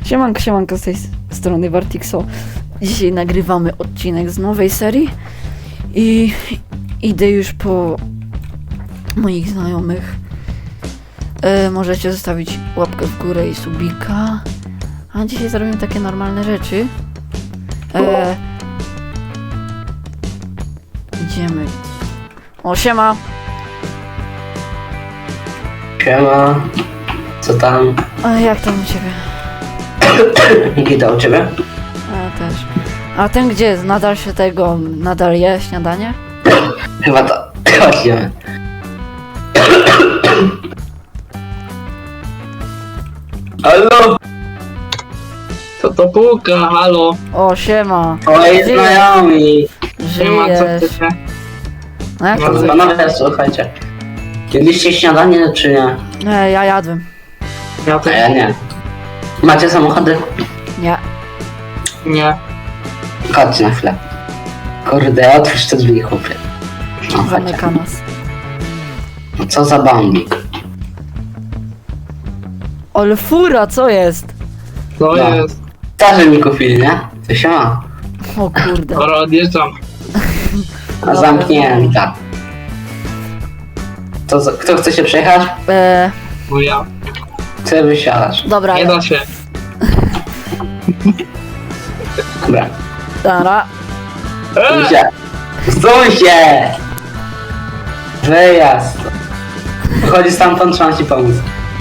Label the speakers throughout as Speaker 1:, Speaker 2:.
Speaker 1: Siemanko z tej strony Wartixo. Dzisiaj nagrywamy odcinek z nowej serii i idę już po moich znajomych. Możecie zostawić łapkę w górę i subika. A dzisiaj zrobimy takie normalne rzeczy. Idziemy. O, siema!
Speaker 2: Siema, co tam?
Speaker 1: A jak tam u ciebie?
Speaker 2: Nikita, u ciebie?
Speaker 1: A też. A ten gdzie jest? Nadal je śniadanie?
Speaker 2: Chyba to, chodźmy. Halo?
Speaker 3: To puka, halo.
Speaker 1: O, siema!
Speaker 2: Twoi znajomi.
Speaker 3: Nie ma co
Speaker 1: Żyjesz!
Speaker 3: chcecie.
Speaker 1: No jak to
Speaker 3: No,
Speaker 1: żyjesz?
Speaker 2: Panowie, słuchajcie. Jedliście śniadanie, czy nie?
Speaker 1: Nie, ja jadłem.
Speaker 3: Ja
Speaker 2: A
Speaker 3: też
Speaker 2: ja nie. Macie samochody?
Speaker 1: Nie.
Speaker 3: nie.
Speaker 2: Chodź na chwilę. Kurde, otwórz te drzwi, chłopie. No, chodźcie.
Speaker 1: Zamyka nas.
Speaker 2: No, co za bambik.
Speaker 1: Ale fura, co jest?
Speaker 3: To
Speaker 2: No.
Speaker 3: jest.
Speaker 2: Starzy mi kupili, nie? To się ma.
Speaker 1: O kurde.
Speaker 3: Dobra, odjeżdżam.
Speaker 2: A zamknięta. Kto chce się przejechać?
Speaker 3: Bo ja.
Speaker 2: Chcę wysiadać.
Speaker 1: Dobra,
Speaker 3: Nie da się.
Speaker 2: Dobra.
Speaker 1: Dobra.
Speaker 3: Eee!
Speaker 2: Stój się! Wyjazd. Wychodzi stamtąd, trzeba ci pomóc.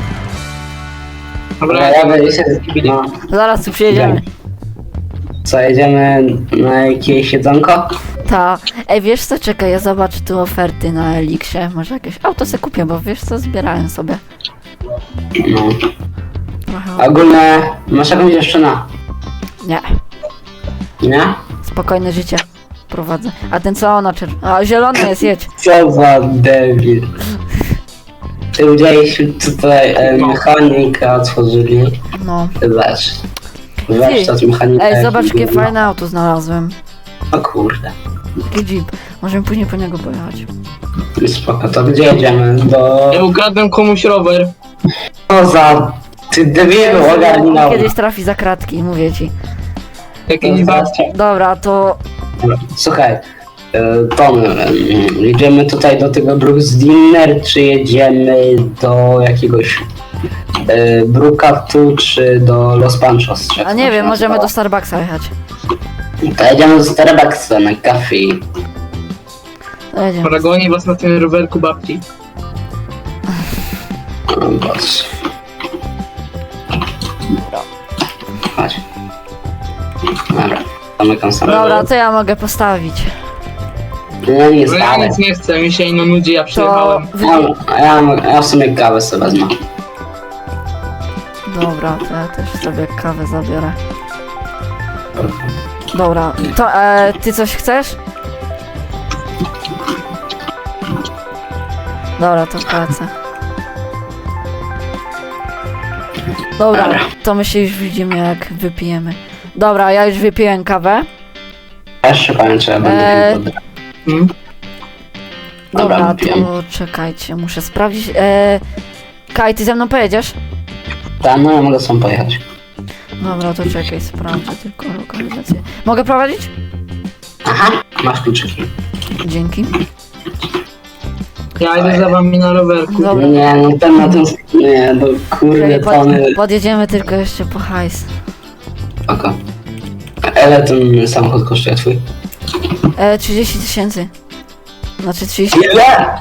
Speaker 3: Dobra,
Speaker 2: Ja będę się... No.
Speaker 1: Zaraz tu przyjedziemy.
Speaker 2: Co, jedziemy na jakieś jedzonko?
Speaker 1: Ta. Ej, wiesz co? Czekaj, ja zobaczę tu oferty na Elixie. Może jakieś auto se kupię, bo wiesz co? Zbierałem sobie.
Speaker 2: No.
Speaker 1: Trochę.
Speaker 2: Ogólnie, masz jakąś dziewczynę?
Speaker 1: Nie.
Speaker 2: Nie?
Speaker 1: Spokojne życie prowadzę. A ten co ona A, zielony jest, jedź.
Speaker 2: Co za debil. Ty widzieliśmy tutaj mechanika otworzyli.
Speaker 1: No.
Speaker 2: Zobacz. Warsztat mechanika.
Speaker 1: Ej, zobacz jakie fajne auto znalazłem.
Speaker 2: O kurde.
Speaker 1: Taki jeep. Możemy później po niego pojechać.
Speaker 2: Spoko, to gdzie jedziemy?
Speaker 3: ja ukradłem komuś rower.
Speaker 2: Co za... Ty debilu, ogarnął.
Speaker 1: Kiedyś trafi za kratki, mówię ci.
Speaker 3: Jakiejś babci.
Speaker 1: Dobra, to...
Speaker 2: Słuchaj, Tom, jedziemy tutaj do tego Brooks Dinner, czy jedziemy do jakiegoś Brookatu, czy do Los Panchos?
Speaker 1: A nie wiem, możemy do Starbucksa jechać.
Speaker 2: To jedziemy do Starbucksa na kafe.
Speaker 1: To jedziemy.
Speaker 3: Dobra, goni was na tym rowerku babci.
Speaker 2: O Boże. Chodź. Dobra, zamykam samochód.
Speaker 1: Dobra, to ja mogę postawić.
Speaker 2: No nie
Speaker 3: No ja
Speaker 2: zdałem.
Speaker 3: nic nie chcę, mi się ino nudzi, ja
Speaker 1: To...
Speaker 3: przyjechałem.
Speaker 2: Ja w sumie kawę sobie wezmę.
Speaker 1: Dobra, to ja też sobie kawę zabiorę. Dobra, to ty coś chcesz? Dobra, to płacę. Dobra, to my się już widzimy jak wypijemy. Dobra, ja już wypiłem kawę.
Speaker 2: Ja jeszcze powiem, czy ja będę pił wodę.
Speaker 3: Hmm?
Speaker 2: Dobra,
Speaker 1: Dobra,
Speaker 2: wypiłem.
Speaker 1: to czekajcie, muszę sprawdzić. Kaj, ty ze mną pojedziesz?
Speaker 2: Tak, no ja mogę sam pojechać.
Speaker 1: Dobra, to czekaj, sprawdzę tylko lokalizację. Mogę prowadzić?
Speaker 2: Aha, masz kluczyki.
Speaker 1: Dzięki.
Speaker 3: Ja idę za wami na rowerku.
Speaker 1: Dobra.
Speaker 2: Nie, no ten na tym... Nie, no kurde,
Speaker 1: Czekaj,
Speaker 2: tony.
Speaker 1: podjedziemy tylko jeszcze po hajs.
Speaker 2: Oko. Ile ten samochód kosztuje twój?
Speaker 1: 30 tysięcy. Znaczy 30...
Speaker 2: Ile?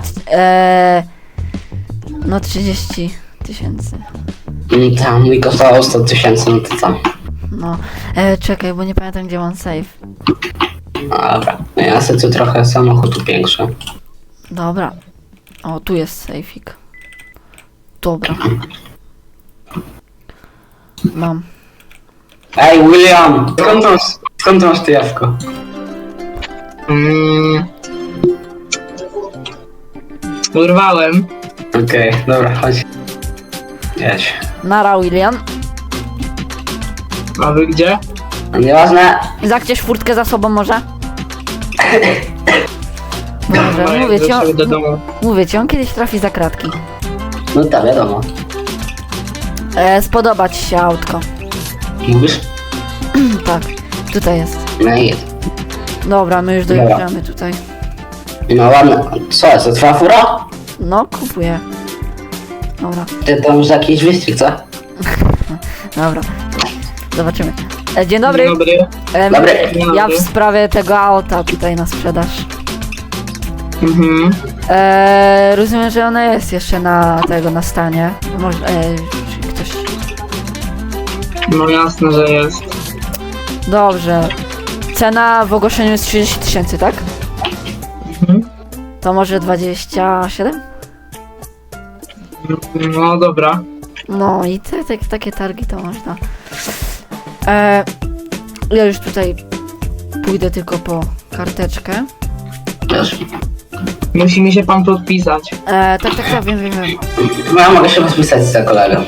Speaker 1: No 30 tysięcy.
Speaker 2: Tam mi kosztowało 100 tysięcy, no to co?
Speaker 1: No. Czekaj, bo nie pamiętam gdzie mam safe.
Speaker 2: No dobra, no ja sobie tu trochę samochód upiększę.
Speaker 1: Dobra. O, tu jest safeik. Dobra. Mam.
Speaker 2: Ej, William! Skąd masz ty jawko?
Speaker 3: Urwałem.
Speaker 2: Okej, dobra, chodź. Jedź.
Speaker 1: Nara, William.
Speaker 3: A wy gdzie?
Speaker 2: Nieważne.
Speaker 1: Zachciesz furtkę za sobą może? Może,
Speaker 3: Dobra,
Speaker 1: mówię ci,
Speaker 3: ja do domu.
Speaker 1: on kiedyś trafi za kratki.
Speaker 2: No tak, wiadomo.
Speaker 1: Spodoba ci się autko.
Speaker 2: Mówisz?
Speaker 1: Tak, tutaj jest.
Speaker 2: No i jest.
Speaker 1: Dobra, my już dojeżdżamy tutaj.
Speaker 2: No ładne. Co jest, to twoja fura?
Speaker 1: No, kupuję. Dobra,
Speaker 2: Ty tam już jakiś wyścig, co?
Speaker 1: dobra. Zobaczymy. Dzień dobry.
Speaker 3: Dzień dobry.
Speaker 2: Dobry.
Speaker 1: Ja w sprawie tego auta tutaj na sprzedaż.
Speaker 3: Mhm.
Speaker 1: Rozumiem, że ona jest jeszcze na stanie. Może, czy ktoś...
Speaker 3: No jasne, że jest.
Speaker 1: Dobrze. Cena w ogłoszeniu jest 30 000, tak?
Speaker 3: Mhm.
Speaker 1: To może 27?
Speaker 3: No dobra.
Speaker 1: No i takie targi to można. Ja już tutaj pójdę tylko po karteczkę.
Speaker 2: Wiesz.
Speaker 3: Musi mi się pan podpisać.
Speaker 1: Tak, wiem.
Speaker 2: No ja mogę się podpisać za kolegą.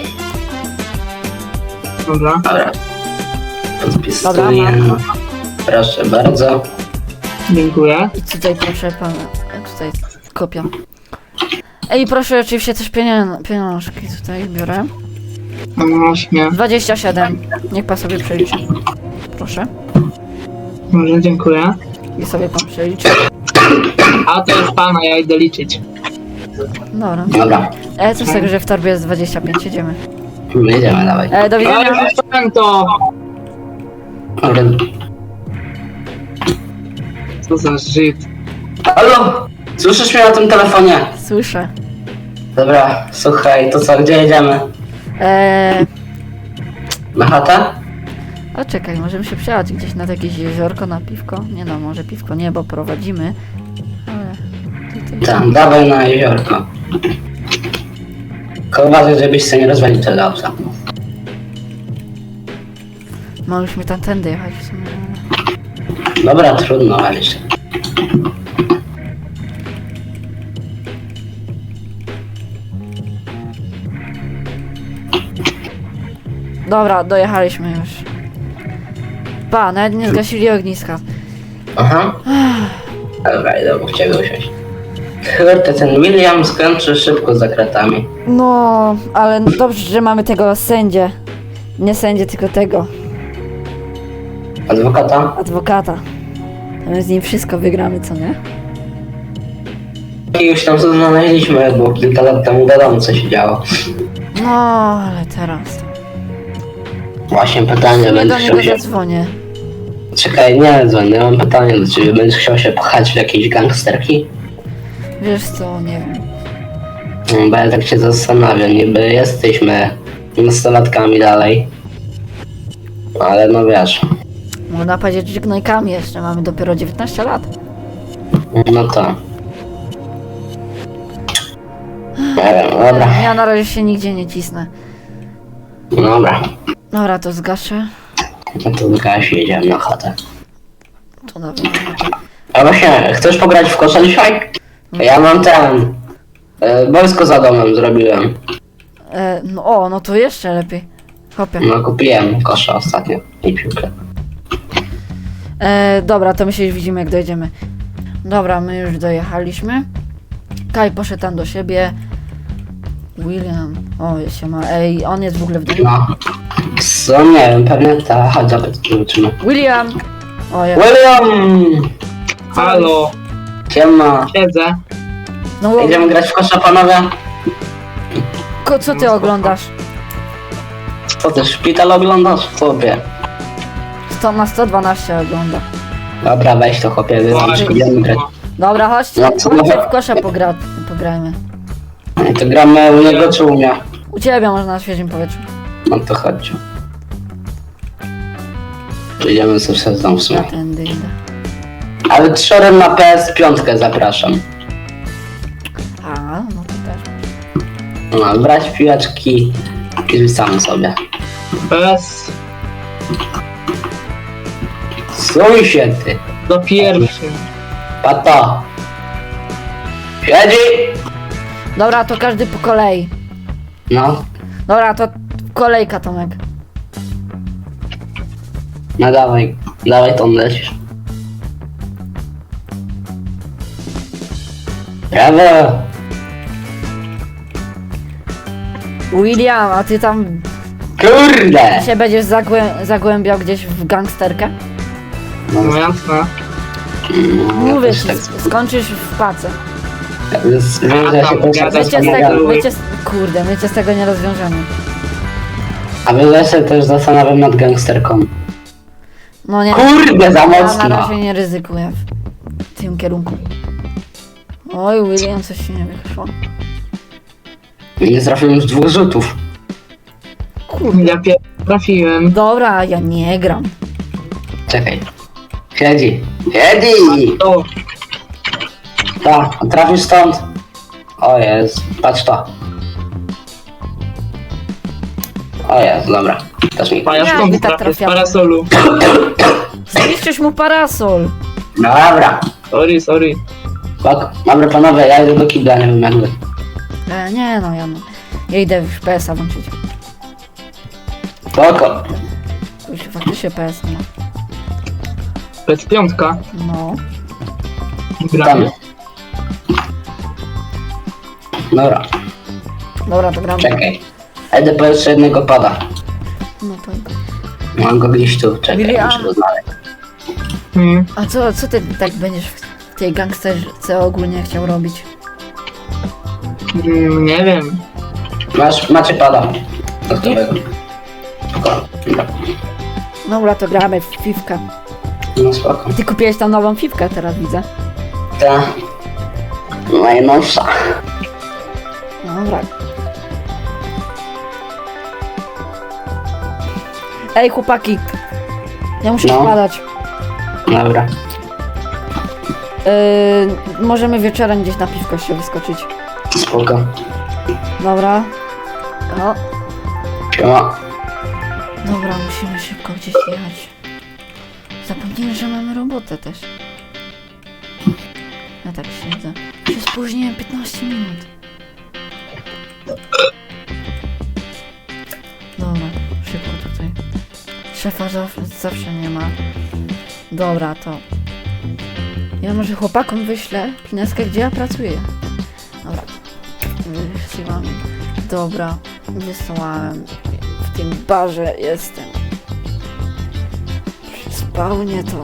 Speaker 3: Dobra.
Speaker 2: Dobra. Podpisuję.
Speaker 1: Dobra, mam.
Speaker 2: Proszę bardzo.
Speaker 3: Dziękuję.
Speaker 1: I tutaj proszę pana, tutaj kopia. I proszę oczywiście też pieniążki tutaj biorę.
Speaker 3: No właśnie.
Speaker 1: 27. Niech pan sobie przeliczy. Proszę.
Speaker 3: Może dziękuję.
Speaker 1: I sobie pan przeliczy.
Speaker 3: A to jest pana, ja idę liczyć.
Speaker 1: Dobra.
Speaker 2: Dobra.
Speaker 1: Co z tego, że w torbie jest 25, jedziemy.
Speaker 2: Jedziemy, dawaj.
Speaker 1: Do
Speaker 3: Ale
Speaker 1: widzenia.
Speaker 3: zostałem to!
Speaker 2: Dobra.
Speaker 3: Co za żyd.
Speaker 2: Halo? Słyszysz mnie na tym telefonie?
Speaker 1: Słyszę.
Speaker 2: Dobra, słuchaj, to co, gdzie jedziemy? Na chatę?
Speaker 1: O czekaj, możemy się przejechać gdzieś na jakieś jeziorko, na piwko? Nie no, może piwko nie, bo prowadzimy. Ale tutaj...
Speaker 2: Tam, dawaj na jeziorko. Tylko uważaj, żebyś sobie nie rozwalił tego auta.
Speaker 1: Mogliśmy tamtędy jechać w sumie.
Speaker 2: Dobra, trudno, ale się.
Speaker 1: Dobra, dojechaliśmy już. Pa, nawet nie zgasili ogniska.
Speaker 2: Aha. Dobra, idę obok ciebie usiąść. Kurde, ten William skończy szybko za kratami.
Speaker 1: No, ale dobrze, że mamy tego sędzię. Nie sędzię, tylko tego.
Speaker 2: Adwokata?
Speaker 1: Adwokata. To my z nim wszystko wygramy, co nie?
Speaker 2: I już tam znaleźliśmy, bo kilka lat temu wiadomo co się działo.
Speaker 1: No, ale teraz.
Speaker 2: Właśnie pytanie,
Speaker 1: Nie
Speaker 2: będziesz
Speaker 1: do
Speaker 2: chciał
Speaker 1: niego
Speaker 2: się...
Speaker 1: zadzwonię.
Speaker 2: Czekaj, nie dzwonię, mam pytanie do ciebie. Będziesz chciał się pchać w jakieś gangsterki?
Speaker 1: Wiesz co, nie wiem.
Speaker 2: Bo ja tak się zastanawiam, niby jesteśmy nastolatkami dalej. Ale no wiesz,
Speaker 1: Można powiedzieć, że gnojkami jeszcze, mamy dopiero 19 lat.
Speaker 2: no to... Nie wiem, dobra,
Speaker 1: Ja na razie się nigdzie nie cisnę.
Speaker 2: dobra.
Speaker 1: Dobra, to zgaszę.
Speaker 2: No to zgaś, jedziemy na chatę.
Speaker 1: To dobra.
Speaker 2: A właśnie, chcesz pograć w kosza dzisiaj? Ja mam ten... Boisko za domem zrobiłem.
Speaker 1: No to jeszcze lepiej. Hopie.
Speaker 2: No kupiłem kosza ostatnio i piłkę.
Speaker 1: Dobra, to my się już widzimy, jak dojedziemy. Dobra, my już dojechaliśmy. Kaj poszedł tam do siebie. William. O, się ma. Ej, on jest w ogóle w domu.
Speaker 2: No. Co? Nie wiem, pewnie ta... Chodź, zobaczymy.
Speaker 1: William! O, ja.
Speaker 2: William!
Speaker 3: Halo,
Speaker 2: Siema.
Speaker 3: siedzę.
Speaker 1: No,
Speaker 2: Idziemy grać w kosza, panowie?
Speaker 1: co ty oglądasz?
Speaker 2: Co ty, szpital oglądasz? Chłopie.
Speaker 1: 100 na 112 ogląda.
Speaker 2: Dobra, weź to chłopie, idziemy grać.
Speaker 1: Dobra, chodźcie,
Speaker 2: No, co
Speaker 1: chodźcie
Speaker 2: mówię?
Speaker 1: w kosza pograjmy.
Speaker 2: To gramy u niego czy u mnie?
Speaker 1: U ciebie można na świeżym powietrzu.
Speaker 2: No to chodźcie. Idziemy sobie przez dom w sumie.
Speaker 1: Tędy idę.
Speaker 2: Ale trzorem na PS5 zapraszam.
Speaker 1: A, no to też.
Speaker 2: No, brać piłeczki i rzucamy sobie.
Speaker 3: Bez.
Speaker 2: Stój się ty,
Speaker 3: Do pierwszym.
Speaker 2: pato. Siedzi!
Speaker 1: Dobra, to każdy po kolei.
Speaker 2: No,
Speaker 1: Dobra, to kolejka, Tomek.
Speaker 2: no dawaj, dawaj to lecisz. Brawo!
Speaker 1: William, a ty tam
Speaker 2: Kurde!
Speaker 1: Się będziesz zagłębiał gdzieś w gangsterkę?
Speaker 3: No jasne.
Speaker 1: Mówię
Speaker 2: też
Speaker 1: ci,
Speaker 2: tak
Speaker 1: skończysz w pace.
Speaker 2: Wiem, że ja się
Speaker 3: tam
Speaker 2: też
Speaker 3: gadać
Speaker 1: My cię z
Speaker 2: zastanawiam.
Speaker 1: tego, kurde, my cię z tego nie rozwiążemy.
Speaker 2: A wy ja się też zastanawiam nad gangsterką.
Speaker 1: No nie,
Speaker 2: Kurde, za
Speaker 1: ja na
Speaker 2: mocno!
Speaker 1: razie nie ryzykuję w tym kierunku. Oj, William, coś ci nie wyszło.
Speaker 2: Nie trafiłem z 2 rzutów.
Speaker 1: Kurde.
Speaker 3: Ja trafiłem.
Speaker 1: Dobra, ja nie gram.
Speaker 2: Czekaj. Siedzi. Siedzi!
Speaker 3: O,
Speaker 2: Ta, trafisz stąd. O jest, patrz to. O jest, dobra. Też mi.
Speaker 3: a ja
Speaker 1: Jak
Speaker 3: stąd
Speaker 1: wy tak
Speaker 3: trafię z
Speaker 1: trafiamy?
Speaker 3: parasolu.
Speaker 1: Zniszczysz mu parasol.
Speaker 2: Dobra.
Speaker 3: Sorry.
Speaker 2: Spoko. Dobra panowie, ja idę do kibla, nie wiem jak wy.
Speaker 1: Nie no, ja idę już PS-a włączyć.
Speaker 2: Spoko.
Speaker 1: Już faktycznie PS ma.
Speaker 3: To jest piątka.
Speaker 1: No.
Speaker 2: Tam.
Speaker 3: Gramy.
Speaker 2: Dobra,
Speaker 1: Dobra, to gramy.
Speaker 2: czekaj. Idę po jeszcze jednego pada.
Speaker 1: No to...
Speaker 2: Mam go gdzieś tu, czekaj,
Speaker 1: William.
Speaker 2: muszę go znaleźć.
Speaker 1: A co ty tak będziesz w tej gangsterce ogólnie chciał robić?
Speaker 3: Nie wiem.
Speaker 2: Macie pada. Gotowego. Spoko. Dobra.
Speaker 1: Dobra, to gramy w piwkę.
Speaker 2: No spoko.
Speaker 1: Ty kupiłeś tam nową piwkę, teraz widzę.
Speaker 2: Ta. Najnowsza.
Speaker 1: Dobra. Ej, chłopaki. Ja muszę
Speaker 2: No.
Speaker 1: spadać.
Speaker 2: Dobra.
Speaker 1: Możemy wieczorem gdzieś na piwko się wyskoczyć.
Speaker 2: Spoko.
Speaker 1: Dobra. O,
Speaker 2: Siema.
Speaker 1: dobra, musimy szybko gdzieś jechać. Zapomniałem, że mamy robotę też. Ja tak siedzę. Się spóźniłem 15 minut. Dobra, szybko tutaj. Szefa zawsze nie ma. Dobra, to... Ja może chłopakom wyślę pineskę, gdzie ja pracuję. Dobra. Wysyłam. Dobra, wysłałem. W tym barze jestem. Przy spawnie to...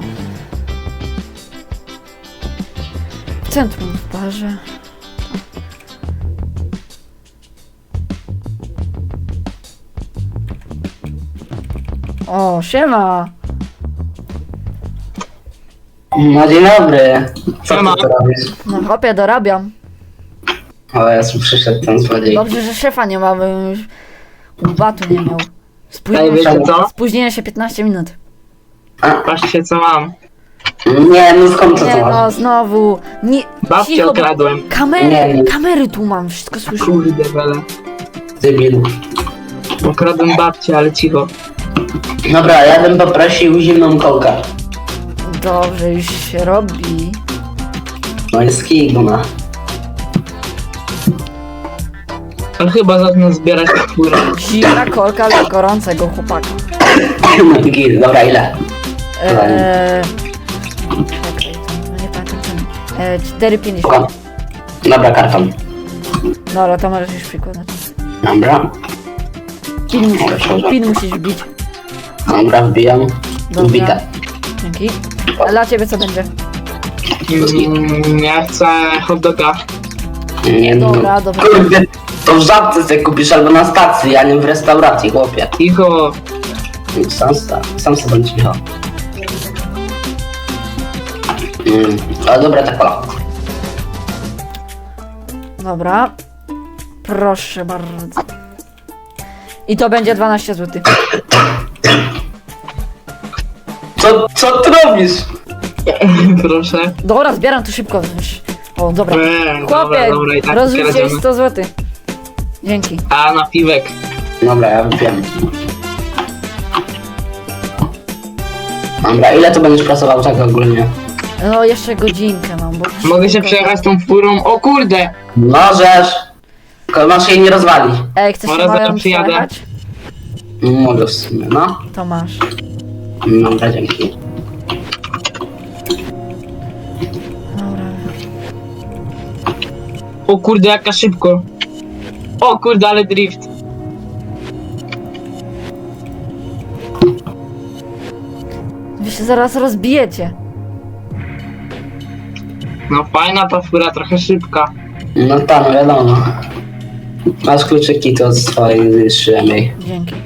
Speaker 1: W centrum w barze. O, siema!
Speaker 2: No dzień dobry. Co
Speaker 3: Siema.
Speaker 2: ty tu robisz?
Speaker 1: No chłopie, dorabiam.
Speaker 2: O Jezu, przyszedł ten złodziej.
Speaker 1: Dobrze, że szefa nie ma, bym już batu nie miał.
Speaker 3: Ej, wiecie co?
Speaker 1: Spóźniłem się 15 minut.
Speaker 3: Patrzcie co mam.
Speaker 2: Nie, no skąd to
Speaker 1: Nie
Speaker 2: co
Speaker 1: no,
Speaker 2: masz?
Speaker 1: znowu. Nie,
Speaker 3: Babcię
Speaker 1: cicho, bo
Speaker 3: okradłem.
Speaker 1: kamery, kamery tu mam, wszystko słyszę.
Speaker 3: Kurde wele.
Speaker 2: Debil.
Speaker 3: Okradłem babcię, ale cicho.
Speaker 2: Dobra, ja bym poprosił zimną kołkę.
Speaker 1: Dobrze, już się robi.
Speaker 2: No jest kiguna.
Speaker 3: Ale chyba zacznę zbierać kulturę.
Speaker 1: Zimna kolka dla gorącego chłopaka.
Speaker 2: No gil, dobra, ile?
Speaker 1: Czekaj, to nie pamiętam ceny. 4,50.
Speaker 2: Spoko. Dobra, karton.
Speaker 1: Dobra, to możesz już przykładać.
Speaker 2: Dobra.
Speaker 1: Pin musisz wbić.
Speaker 2: Dobra, wbijam.
Speaker 1: Dobra.
Speaker 2: Wbite.
Speaker 1: Dzięki. A dla ciebie co będzie?
Speaker 3: Ja chcę hot doga.
Speaker 2: Nie, no.
Speaker 1: Dobra, dobra.
Speaker 2: Kurde, to w żabce sobie kupisz albo na stacji, a nie w restauracji, chłopie.
Speaker 3: Cicho.
Speaker 2: Sam sobie bądź cicho. Ale dobra, ta kola.
Speaker 1: Dobra. Proszę bardzo. I to będzie 12 zł.
Speaker 2: Co ty robisz?
Speaker 3: Proszę.
Speaker 1: Dobra, zbieram to szybko. O, dobra.
Speaker 3: Dobra,
Speaker 1: Chłopie,
Speaker 3: i tak
Speaker 1: rozrzuciłeś
Speaker 3: kradzimy.
Speaker 1: 100 zł. Dzięki.
Speaker 3: A na piwek.
Speaker 2: Dobra, ja wypiłem. Dobra, ile to będziesz pracował tak ogólnie?
Speaker 1: No, jeszcze godzinkę mam, bo...
Speaker 3: Mogę się przejechać tą furą. O kurde!
Speaker 2: Możesz! Tylko masz jej nie rozwalić.
Speaker 1: Ej, chcesz się
Speaker 3: Zaraz
Speaker 1: moją
Speaker 3: przyjadę.
Speaker 1: przejechać?
Speaker 2: Mogę w sumie, no.
Speaker 1: To masz.
Speaker 2: Dobra, dzięki.
Speaker 1: Dobra.
Speaker 3: O kurde, jaka szybko. O kurde, ale drift.
Speaker 1: Wy się zaraz rozbijecie.
Speaker 3: No fajna ta fura, trochę szybka.
Speaker 2: No tam, wiadomo. Masz kluczyki, to swojej zniszczyłem jej.
Speaker 1: Dzięki.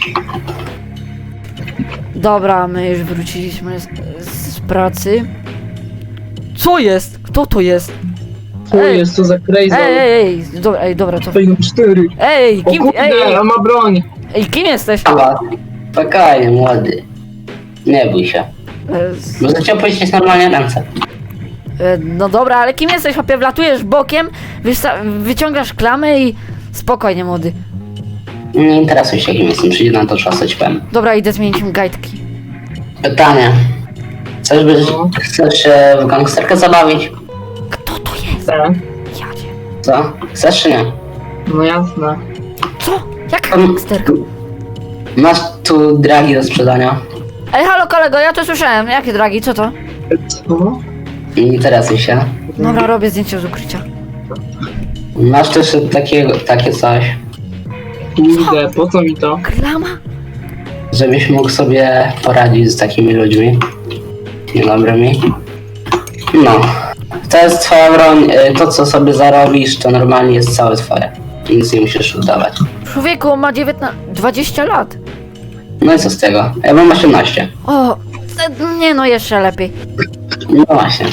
Speaker 1: Dobra, my już wróciliśmy z pracy. Co jest? Kto to jest?
Speaker 3: Co
Speaker 1: Ej.
Speaker 3: jest to za crazy?
Speaker 1: Ej, dobra, co?
Speaker 3: Fajną 4.
Speaker 1: Ej,
Speaker 3: O
Speaker 1: kim,
Speaker 3: kurde, on ma broń.
Speaker 1: ej, kim jesteś?
Speaker 2: Chyba. Spokojnie, młody. Nie bój się. Może cię opuścić normalnie ręce.
Speaker 1: No dobra, ale kim jesteś, chłopie? Wlatujesz bokiem, wyciągasz klamę i... Spokojnie, młody.
Speaker 2: Nie interesuj się, kim jestem. Przyjdzie na to czas, co ci powiem.
Speaker 1: Dobra, idę zmienić im gajdki.
Speaker 2: Pytanie. Chcesz być...
Speaker 3: No.
Speaker 2: Chcesz się w gangsterkę zabawić?
Speaker 1: Kto to jest?
Speaker 3: Tak.
Speaker 1: Jadzie.
Speaker 2: Co? Chcesz czy nie?
Speaker 3: No jasne.
Speaker 1: Co? Jaka gangsterka?
Speaker 2: Masz tu dragi do sprzedania.
Speaker 1: Ej, halo kolego, ja to słyszałem. Jakie dragi, co to?
Speaker 3: Co?
Speaker 2: Nie interesuj się.
Speaker 1: Dobra, robię zdjęcie z ukrycia.
Speaker 2: Masz też takie coś,
Speaker 3: Kurde, po co mi to?
Speaker 1: Klama?
Speaker 2: żebyś mógł sobie poradzić z takimi ludźmi niedobrymi. No. To jest twoja broń. To, co sobie zarobisz, to normalnie jest całe twoje. Nic nie musisz oddawać.
Speaker 1: Człowieku, on ma 20 lat.
Speaker 2: No i co z tego? Ja mam 18.
Speaker 1: O, nie no, jeszcze lepiej.
Speaker 2: No właśnie.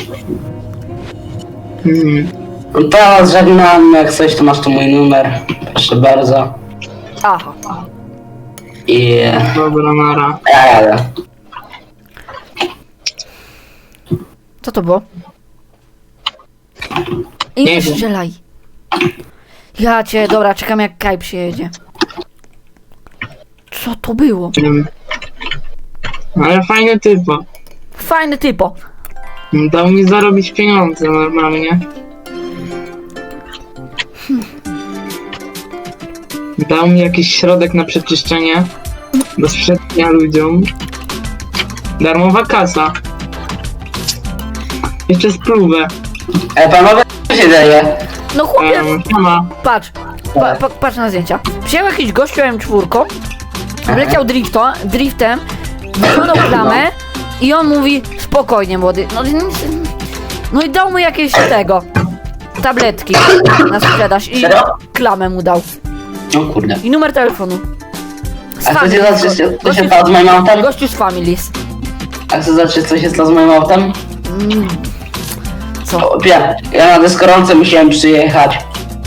Speaker 3: Hmm.
Speaker 2: No to żegnam, jak coś to masz tu mój numer. Proszę bardzo.
Speaker 1: Aha.
Speaker 2: I
Speaker 3: Dobra, nara.
Speaker 2: ja jadę.
Speaker 1: Co to było? I
Speaker 3: Nie
Speaker 1: nie
Speaker 3: wiem.
Speaker 1: strzelaj. Ja cię, dobra, czekam jak Kaj przyjedzie. Co to było?
Speaker 3: Ale fajny typo.
Speaker 1: Fajny typo.
Speaker 3: Dał mi zarobić pieniądze normalnie. Dał mi jakiś środek na przeczyszczenie do sprzedania ludziom. Darmowa kasa. Jeszcze spluwę.
Speaker 2: Panowie, co się dzieje?
Speaker 1: No chłopie,
Speaker 3: Sama.
Speaker 1: patrz. Patrz na zdjęcia. Przyjął jakiś gościu M4, wleciał driftem, wyciągnął klamę i on mówi spokojnie młody. No i dał mu jakieś tabletki na sprzedaż i
Speaker 2: Serio?
Speaker 1: klamę mu dał.
Speaker 2: No kurde.
Speaker 1: I numer telefonu. Z
Speaker 2: A chcecie
Speaker 1: Families.
Speaker 2: zobaczyć, co się stało z moim autem?
Speaker 1: Gościu z Families.
Speaker 2: A chcesz zobaczyć, co się stało z moim autem?
Speaker 1: Mm, Co?
Speaker 2: O, ja na deskorolce musiałem przyjechać.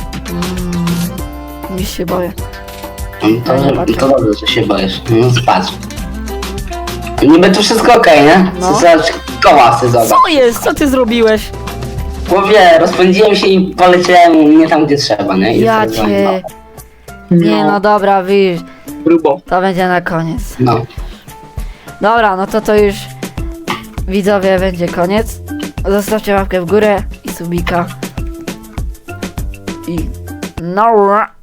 Speaker 1: Już się boję.
Speaker 2: To,
Speaker 1: No nie patrzę.
Speaker 2: to dobrze, że się boisz. No patrz. Niby tu wszystko okej, nie?
Speaker 1: No.
Speaker 2: Zobacz, koła chcę zobacz.
Speaker 1: Co jest? Co ty zrobiłeś?
Speaker 2: Chłopie, rozpędziłem się i poleciałem nie tam, gdzie trzeba, nie? I
Speaker 1: Ja
Speaker 2: to
Speaker 1: cię... Nie no dobra, widzisz,
Speaker 3: Grubo.
Speaker 1: to będzie na koniec.
Speaker 2: No.
Speaker 1: Dobra, no to już widzowie będzie koniec. Zostawcie łapkę w górę i subika. I no.